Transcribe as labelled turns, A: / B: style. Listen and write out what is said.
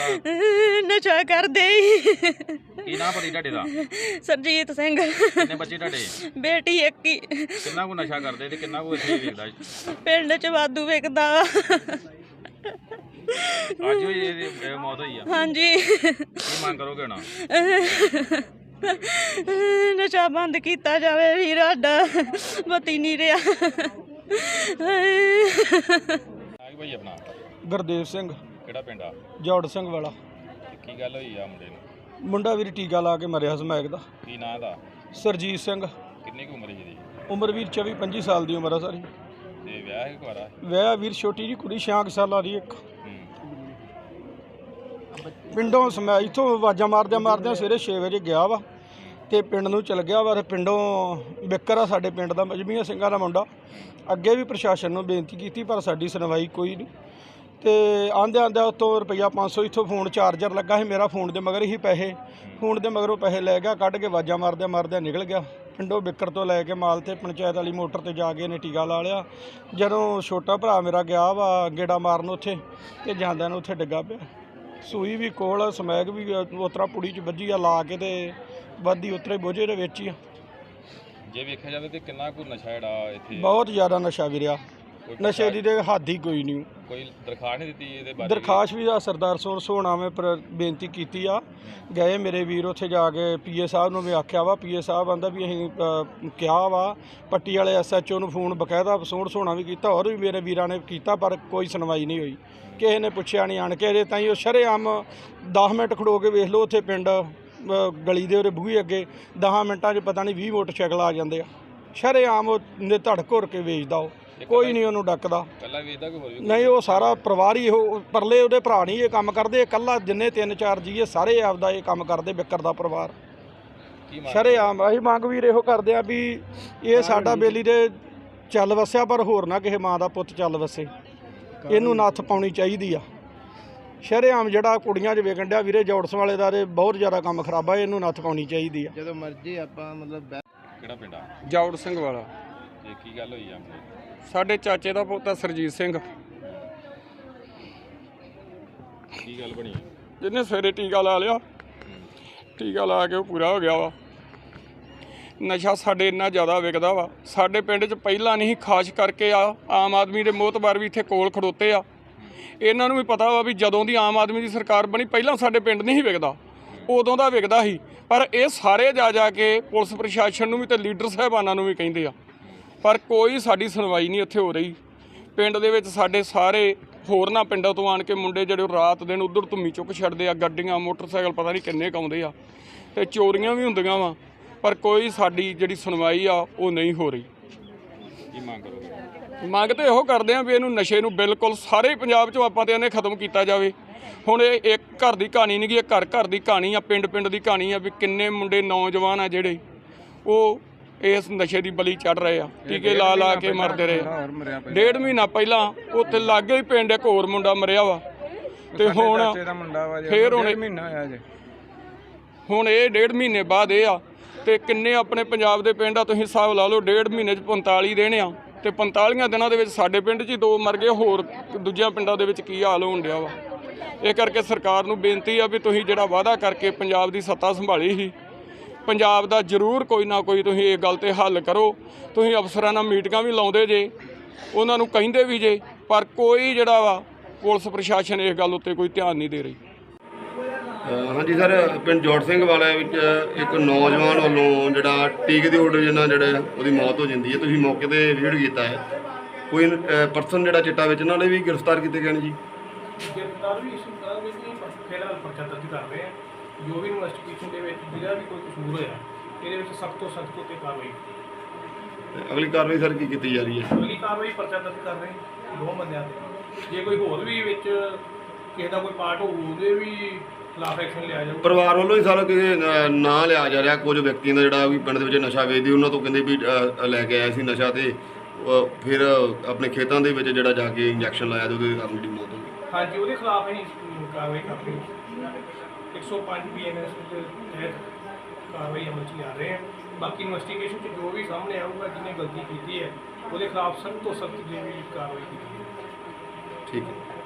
A: ਨਸ਼ਾ ਕਰਦੇ ਹੀ।
B: ਕੀ ਨਾਮ ਪਤੀ ਤੁਹਾਡੇ ਦਾ?
A: ਸਰਜੀਤ ਸਿੰਘ।
B: ਕਿੰਨੇ ਬੱਚੇ ਤੁਹਾਡੇ?
A: ਬੇਟੀ ਇੱਕ ਹੀ।
B: ਕਿੰਨਾ ਕੁ ਨਸ਼ਾ ਕਰਦੇ ਤੇ ਕਿੰਨਾ ਕੁ ਇੱਥੇ ਵੇਚਦਾ?
A: ਪਿੰਡ ਚ ਵਾਧੂ ਵਿਕਦਾ ਵਾ।
B: ਅੱਜ ਹੋਈ ਇਹਦੀ ਮੌਤ ਹੋਈ ਆ?
A: ਹਾਂਜੀ।
B: ਕੀ ਮੰਗ ਕਰੋਗੇ ਹੁਣ?
A: ਨਸ਼ਾ ਬੰਦ ਕੀਤਾ ਜਾਵੇ ਵੀਰ, ਸਾਡਾ ਪਤੀ ਨਹੀਂ ਰਿਹਾ।
B: ਭਾਈ ਆਪਣਾ
C: ਗੁਰਦੇਵ ਸਿੰਘ।
B: ਕਿਹੜਾ ਪਿੰਡ ਆ?
C: ਜੋੜ ਸਿੰਘ ਵਾਲਾ।
B: ਕੀ ਗੱਲ ਹੋਈ ਆ ਮੁੰਡੇ ਨੂੰ?
C: ਮੁੰਡਾ ਵੀਰ ਟੀਕਾ ਲਾ ਕੇ ਮਰਿਆ ਸਮੈਕ ਦਾ।
B: ਕੀ ਨਾਂ ਦਾ?
C: ਸਰਜੀਤ ਸਿੰਘ।
B: ਕਿੰਨੀ ਕੁ ਉਮਰ ਹੈ ਇਹਦੀ?
C: ਉਮਰ ਵੀਰ 24-25 ਸਾਲ ਦੀ ਉਮਰ ਆ ਸਾਰੀ।
B: ਤੇ ਵਿਆਹ ਹੈ ਕੁਆਰਾ?
C: ਵਿਆਹ ਵੀਰ ਛੋਟੀ ਜੀ ਕੁੜੀ 6 ਸਾਲਾਂ ਦੀ ਇੱਕ। ਪਿੰਡੋਂ ਸਮੈਕ ਇੱਥੋਂ ਆਵਾਜ਼ਾਂ ਮਾਰਦਿਆਂ ਸਵੇਰੇ 6 ਵਜੇ ਗਿਆ ਵਾ ਤੇ ਪਿੰਡ ਨੂੰ ਚਲ ਗਿਆ ਵਾ। ਪਿੰਡੋਂ ਬਿੱਕਰ ਆ ਸਾਡੇ ਪਿੰਡ ਦਾ, ਮਜਬੀਆਂ ਸਿੰਘਾਂ ਦਾ ਮੁੰਡਾ। ਅੱਗੇ ਵੀ ਪ੍ਰਸ਼ਾਸਨ ਨੂੰ ਬੇਨਤੀ ਕੀਤੀ ਪਰ ਸਾਡੀ ਸੁਣਵਾਈ ਕੋਈ ਨਹੀਂ। ਤੇ ਆਂਦਿਆਂ ਉੱਤੋਂ ਰੁਪਈਆ 500 ਇੱਥੋਂ ਫੋਨ ਚਾਰਜਰ ਲੱਗਾ ਸੀ ਮੇਰਾ, ਫੋਨ ਦੇ ਮਗਰ ਹੀ ਪੈਸੇ, ਫੋਨ ਦੇ ਮਗਰੋਂ ਪੈਸੇ ਲੈ ਗਿਆ, ਕੱਢ ਕੇ ਆਵਾਜ਼ਾਂ ਮਾਰਦਿਆਂ ਨਿਕਲ ਗਿਆ। ਪਿੰਡੋਂ ਬਿੱਕਰ ਤੋਂ ਲੈ ਕੇ ਮਾਲ ਤੇ ਪੰਚਾਇਤ ਵਾਲੀ ਮੋਟਰ ਤੇ ਜਾ ਕੇ ਇਹਨੇ ਟੀਕਾ ਲਾ ਲਿਆ। ਜਦੋਂ ਛੋਟਾ ਭਰਾ ਮੇਰਾ ਗਿਆ ਵਾ ਗੇੜਾ ਮਾਰਨ ਉੱਥੇ, ਤੇ ਜਾਂਦਿਆਂ ਨੂੰ ਉੱਥੇ ਡਿੱਗਾ ਪਿਆ। ਸੂਈ ਵੀ ਕੋਲ, ਸਮੈਕ ਵੀ ਉਤਰਾ ਪੁੜੀ 'ਚ ਵੱਜੀ ਆ ਲਾ ਕੇ, ਤੇ ਵੱਧੀ ਉਤਰੇ ਬੋਝੇ ਦੇ ਵਿੱਚ ਹੀ ਆ।
B: ਜੇ ਵੇਖਿਆ ਜਾਵੇ ਤੇ ਕਿੰਨਾ ਕੁ ਨਸ਼ਾ ਜਿਹੜਾ ਇੱਥੇ?
C: ਬਹੁਤ ਜ਼ਿਆਦਾ ਨਸ਼ਾ ਵਿਰਿਆ, ਨਸ਼ੇ ਦੀ ਤੇ ਹੱਦ ਹੀ ਕੋਈ ਨਹੀਂ।
B: ਕੋਈ ਦਰਖਾਸਤ ਨਹੀਂ ਦਿੱਤੀ ਇਹਦੇ ਬਾਰੇ?
C: ਦਰਖਾਸਤ ਵੀ ਆ ਸਰਦਾਰ ਸੋਹਣਾ ਮੈਂ ਬੇਨਤੀ ਕੀਤੀ ਆ। ਗਏ ਮੇਰੇ ਵੀਰ ਉੱਥੇ ਜਾ ਕੇ ਪੀਏ ਸਾਹਿਬ ਨੂੰ ਵੀ ਆਖਿਆ ਵਾ। ਪੀਏ ਸਾਹਿਬ ਆਂਦਾ ਵੀ ਅਸੀਂ ਕਿਹਾ ਵਾ, ਪੱਟੀ ਵਾਲੇ SHO ਨੂੰ ਫੋਨ ਬਕਾਇਦਾ ਸੋਹਣਾ ਵੀ ਕੀਤਾ, ਹੋਰ ਵੀ ਮੇਰੇ ਵੀਰਾਂ ਨੇ ਕੀਤਾ, ਪਰ ਕੋਈ ਸੁਣਵਾਈ ਨਹੀਂ ਹੋਈ। ਕਿਸੇ ਨੇ ਪੁੱਛਿਆ ਨਹੀਂ ਆਣ ਕੇ। ਇਹਦੇ ਤਾਂ ਹੀ ਉਹ ਸ਼ਰੇਆਮ 10 ਮਿੰਟ ਖੜੋ ਕੇ ਵੇਖ ਲਓ ਉੱਥੇ ਪਿੰਡ ਗਲੀ ਦੇ ਉਹਦੇ ਬੂਹੇ ਅੱਗੇ 10 ਮਿੰਟਾਂ 'ਚ ਪਤਾ ਨਹੀਂ 20 ਮੋਟਰਸਾਈਕਲ ਆ ਜਾਂਦੇ ਆ। ਸ਼ਰੇਆਮ ਉਹਨੇ ਧੜ ਘੁਰ ਕੇ ਵੇਚਦਾ, ਉਹ ਕੋਈ ਨਹੀਂ ਉਹਨੂੰ ਡੱਕਦਾ।
B: ਇਕੱਲਾ ਵੇਚਦਾ ਕਿ ਹੋਰ ਵੀ? ਨਹੀਂ,
C: ਉਹ ਸਾਰਾ ਪਰਿਵਾਰ ਹੀ। ਉਹ ਪਰਲੇ ਉਹਦੇ ਭਰਾ ਨਹੀਂ ਇਹ ਕੰਮ ਕਰਦੇ, ਇਕੱਲਾ ਜਿੰਨੇ 3-4 ਜੀਏ ਸਾਰੇ ਆਪਦਾ ਇਹ ਕੰਮ ਕਰਦੇ, ਬਿੱਕਰ ਦਾ ਪਰਿਵਾਰ ਸ਼ਰੇਆਮ। ਅਸੀਂ ਮੰਗ ਵੀਰ ਇਹੋ ਕਰਦੇ ਆ ਵੀ ਇਹ ਸਾਡਾ ਬੇਲੀ ਦੇ ਚੱਲ ਵਸਿਆ, ਪਰ ਹੋਰ ਨਾ ਕਿਸੇ ਮਾਂ ਦਾ ਪੁੱਤ ਚੱਲ ਵਸੇ। ਇਹਨੂੰ ਨੱਥ ਪਾਉਣੀ ਚਾਹੀਦੀ ਆ। ਸ਼ਰੇਆਮ ਜਿਹੜਾ ਕੁੜੀਆਂ 'ਚ ਵੇਖਣ ਡਿਆ ਵੀਰੇ ਜੋੜਸ ਵਾਲੇ ਦਾ, ਇਹ ਬਹੁਤ ਜ਼ਿਆਦਾ ਕੰਮ ਖਰਾਬ ਆ, ਇਹਨੂੰ ਨੱਥ ਪਾਉਣੀ ਚਾਹੀਦੀ ਆ।
D: ਜਦੋਂ ਮਰਜ਼ੀ ਆਪਾਂ ਮਤਲਬ।
B: ਕਿਹੜਾ ਪਿੰਡ ਆ?
C: ਜੋੜ ਸਿੰਘ ਵਾਲਾ।
B: ਤੇ ਕੀ ਗੱਲ ਹੋਈ ਆ?
C: ਸਾਡੇ ਚਾਚੇ ਦਾ ਪੁੱਤ ਸਰਜੀਤ ਸਿੰਘ।
B: ਕੀ ਗੱਲ ਬਣੀ?
C: ਜਿਹਨੇ ਸਵੇਰੇ ਟੀਕਾ ਲਾ ਲਿਆ, ਟੀਕਾ ਲਾ ਕੇ ਉਹ ਪੂਰਾ ਹੋ ਗਿਆ ਵਾ। ਨਸ਼ਾ ਸਾਡੇ ਇੰਨਾ ਜ਼ਿਆਦਾ ਵਿਕਦਾ ਵਾ, ਸਾਡੇ ਪਿੰਡ 'ਚ ਪਹਿਲਾਂ ਨਹੀਂ, ਖਾਸ ਕਰਕੇ ਆਮ ਆਦਮੀ ਦੇ ਮੋਹਤਬਾਰ ਵੀ ਇੱਥੇ ਕੋਲ ਖੜੋਤੇ ਆ। ਇਹਨਾਂ ਨੂੰ ਵੀ ਪਤਾ ਵਾ ਵੀ ਜਦੋਂ ਦੀ ਆਮ ਆਦਮੀ ਦੀ ਸਰਕਾਰ ਬਣੀ, ਪਹਿਲਾਂ ਸਾਡੇ ਪਿੰਡ ਨਹੀਂ ਵਿਕਦਾ, ਉਦੋਂ ਦਾ ਵਿਕਦਾ ਸੀ। ਪਰ ਇਹ ਸਾਰੇ ਜਾ ਕੇ ਪੁਲਿਸ ਪ੍ਰਸ਼ਾਸਨ ਨੂੰ ਵੀ ਤੇ ਲੀਡਰ ਸਾਹਿਬਾਨਾਂ ਨੂੰ ਵੀ ਕਹਿੰਦੇ ਆ, ਪਰ ਕੋਈ ਸਾਡੀ ਸੁਣਵਾਈ ਨਹੀਂ ਇੱਥੇ ਹੋ ਰਹੀ। ਪਿੰਡ ਦੇ ਵਿੱਚ ਸਾਡੇ ਸਾਰੇ ਹੋਰਨਾਂ ਪਿੰਡਾਂ ਤੋਂ ਆਣ ਕੇ ਮੁੰਡੇ ਜਿਹੜੇ ਰਾਤ ਦਿਨ ਉੱਧਰ ਧੁੰਮੀ ਚੁੱਕ ਛੱਡਦੇ ਆ, ਗੱਡੀਆਂ ਮੋਟਰਸਾਈਕਲ ਪਤਾ ਨਹੀਂ ਕਿੰਨੇ ਕਾਉਂਦੇ ਆ, ਤੇ ਚੋਰੀਆਂ ਵੀ ਹੁੰਦੀਆਂ ਵਾ, ਪਰ ਕੋਈ ਸਾਡੀ ਜਿਹੜੀ ਸੁਣਵਾਈ ਆ ਉਹ ਨਹੀਂ ਹੋ ਰਹੀ।
B: ਕੀ ਮੰਗ ਕਰੋਗੇ?
C: ਮੰਗ ਤਾਂ ਇਹੋ ਕਰਦੇ ਆ ਵੀ ਇਹਨੂੰ ਨਸ਼ੇ ਨੂੰ ਬਿਲਕੁਲ ਸਾਰੇ ਪੰਜਾਬ 'ਚੋਂ ਆਪਾਂ ਤੇ ਇਹਨੇ ਖਤਮ ਕੀਤਾ ਜਾਵੇ। ਹੁਣ ਇਹ ਇੱਕ ਘਰ ਦੀ ਕਹਾਣੀ ਨਹੀਂ ਗੀ, ਇਹ ਘਰ ਦੀ ਕਹਾਣੀ ਆ, ਪਿੰਡ ਦੀ ਕਹਾਣੀ ਆ ਵੀ ਕਿੰਨੇ ਮੁੰਡੇ ਨੌਜਵਾਨ ਆ ਜਿਹੜੇ ਉਹ ਇਸ ਨਸ਼ੇ ਦੀ ਬਲੀ ਚੜ੍ਹ ਰਹੇ ਆ, ਟੀਕੇ ਲਾ ਕੇ ਮਰਦੇ ਰਹੇ। 1.5 ਮਹੀਨਾ ਪਹਿਲਾਂ ਉੱਥੇ ਲਾਗੇ ਹੀ ਪਿੰਡ ਇੱਕ ਹੋਰ ਮੁੰਡਾ ਮਰਿਆ ਵਾ, ਤੇ ਹੁਣ ਫੇਰ ਹੁਣ ਇਹ 1.5 ਮਹੀਨੇ ਬਾਅਦ ਇਹ ਆ। ਤੇ ਕਿੰਨੇ ਆਪਣੇ ਪੰਜਾਬ ਦੇ ਪਿੰਡ ਆ, ਤੁਸੀਂ ਹਿਸਾਬ ਲਾ ਲਓ, 1.5 ਮਹੀਨੇ 'ਚ 45 ਦਿਨ ਆ, ਤੇ 45 ਦਿਨਾਂ ਦੇ ਵਿੱਚ ਸਾਡੇ ਪਿੰਡ 'ਚ ਹੀ 2 ਮਰ ਗਏ, ਹੋਰ ਦੂਜਿਆਂ ਪਿੰਡਾਂ ਦੇ ਵਿੱਚ ਕੀ ਹਾਲ ਹੋਣ ਡਿਆ ਵਾ। ਇਹ ਕਰਕੇ ਸਰਕਾਰ ਨੂੰ ਬੇਨਤੀ ਆ ਵੀ ਤੁਸੀਂ ਜਿਹੜਾ ਵਾਅਦਾ ਕਰਕੇ ਪੰਜਾਬ ਦੀ ਸੱਤਾ ਸੰਭਾਲੀ ਸੀ, ਪੰਜਾਬ ਦਾ ਜ਼ਰੂਰ ਕੋਈ ਨਾ ਕੋਈ ਤੁਸੀਂ ਇਹ ਗੱਲ 'ਤੇ ਹੱਲ ਕਰੋ। ਤੁਸੀਂ ਅਫਸਰਾਂ ਨਾਲ ਮੀਟਿੰਗਾਂ ਵੀ ਲਾਉਂਦੇ ਜੇ, ਉਹਨਾਂ ਨੂੰ ਕਹਿੰਦੇ ਵੀ ਜੇ, ਪਰ ਕੋਈ ਜਿਹੜਾ ਵਾ ਪੁਲਿਸ ਪ੍ਰਸ਼ਾਸਨ ਇਸ ਗੱਲ ਉੱਤੇ ਕੋਈ ਧਿਆਨ ਨਹੀਂ ਦੇ ਰਹੀ।
D: ਹਾਂਜੀ ਸਰ, ਪਿੰਡ ਜੋੜ ਸਿੰਘ ਵਾਲੇ ਵਿੱਚ ਇੱਕ ਨੌਜਵਾਨ ਵੱਲੋਂ ਜਿਹੜਾ ਟੀਕੇ ਦੀ ਓਵਰਡੋਜ਼ ਨਾਲ ਜਿਹੜਾ ਉਹਦੀ ਮੌਤ ਹੋ ਜਾਂਦੀ ਹੈ, ਤੁਸੀਂ ਮੌਕੇ 'ਤੇ ਵਿਜ਼ਿਟ ਕੀਤਾ ਹੈ। ਕੋਈ ਪਰਸਨ ਜਿਹੜਾ ਚਿੱਟਾ ਵੇਚਣ ਵਾਲੇ ਵੀ ਗ੍ਰਿਫਤਾਰ ਕੀਤੇ ਗਏ ਨੇ ਜੀ?
E: ਗ੍ਰਿਫਤਾਰ ਵੀ ਫਿਲਹਾਲ ਪਰਚਾ ਦਰਜ ਕਰ ਰਹੇ ਆ। ਜੋ ਵੀ ਇਨਵੈਸਟੀਗੇਸ਼ਨ ਦੇ ਵਿੱਚ ਜਿਹੜਾ ਵੀ ਕੋਈ ਕਸੂਰ ਹੋਇਆ, ਇਹਦੇ ਵਿੱਚ ਸਖਤ ਤੋਂ ਸਖਤ ਉੱਤੇ ਕਾਰਵਾਈ।
D: ਅਗਲੀ ਕਾਰਵਾਈ ਸਰ ਕੀ ਕੀਤੀ ਜਾ ਰਹੀ ਹੈ?
E: ਅਗਲੀ ਕਾਰਵਾਈ ਪਰਚਾ ਦਰਜ ਕਰ ਰਹੇ 2 ਬੰਦਿਆਂ 'ਤੇ। ਜੇ ਕੋਈ ਹੋਰ ਵੀ ਵਿੱਚ ਕਿਸੇ ਦਾ ਕੋਈ ਪਾਰਟ ਹੋਊ, ਉਹਦੇ ਵੀ ਖਿਲਾਫ ਐਕਸ਼ਨ ਲਿਆ ਜਾਊ।
D: ਪਰਿਵਾਰ ਵੱਲੋਂ ਹੀ ਸਾਰਾ ਕਿਸੇ ਨਾਂ ਲਿਆ ਜਾ ਰਿਹਾ, ਕੁਝ ਵਿਅਕਤੀਆਂ ਦਾ ਜਿਹੜਾ ਵੀ ਪਿੰਡ ਦੇ ਵਿੱਚ ਨਸ਼ਾ ਵੇਚਦੇ, ਉਹਨਾਂ ਤੋਂ ਕਹਿੰਦੇ ਵੀ ਲੈ ਕੇ ਆਇਆ ਸੀ ਨਸ਼ਾ, ਤੇ ਫਿਰ ਆਪਣੇ ਖੇਤਾਂ ਦੇ ਵਿੱਚ ਜਿਹੜਾ ਜਾ ਕੇ ਇੰਜੈਕਸ਼ਨ ਲਾਇਆ ਤੇ ਉਹਦੇ ਕਾਰਨ ਜਿਹੜੀ ਮੌਤ ਹੋ ਗਈ।
E: ਹਾਂਜੀ, ਉਹਦੇ ਖਿਲਾਫ ਅਸੀਂ ਕਾਰਵਾਈ ਕਰ ਰਹੇ ਹਾਂ। 105 BNS ਦੇ ਤਹਿਤ ਕਾਰਵਾਈ ਅਮਲ 'ਚ ਲਿਆ ਰਹੇ ਹਾਂ। ਬਾਕੀ ਇਨਵੈਸਟੀਗੇਸ਼ਨ 'ਚ ਜੋ ਵੀ ਸਾਹਮਣੇ ਆਊਗਾ, ਜਿਹਨੇ ਗਲਤੀ ਕੀਤੀ ਹੈ ਉਹਦੇ ਖਿਲਾਫ ਸਖਤ ਤੋਂ ਸਖਤ ਜਿਹੜੀ ਕਾਰਵਾਈ ਕੀਤੀ ਹੈ।
D: ਠੀਕ ਹੈ।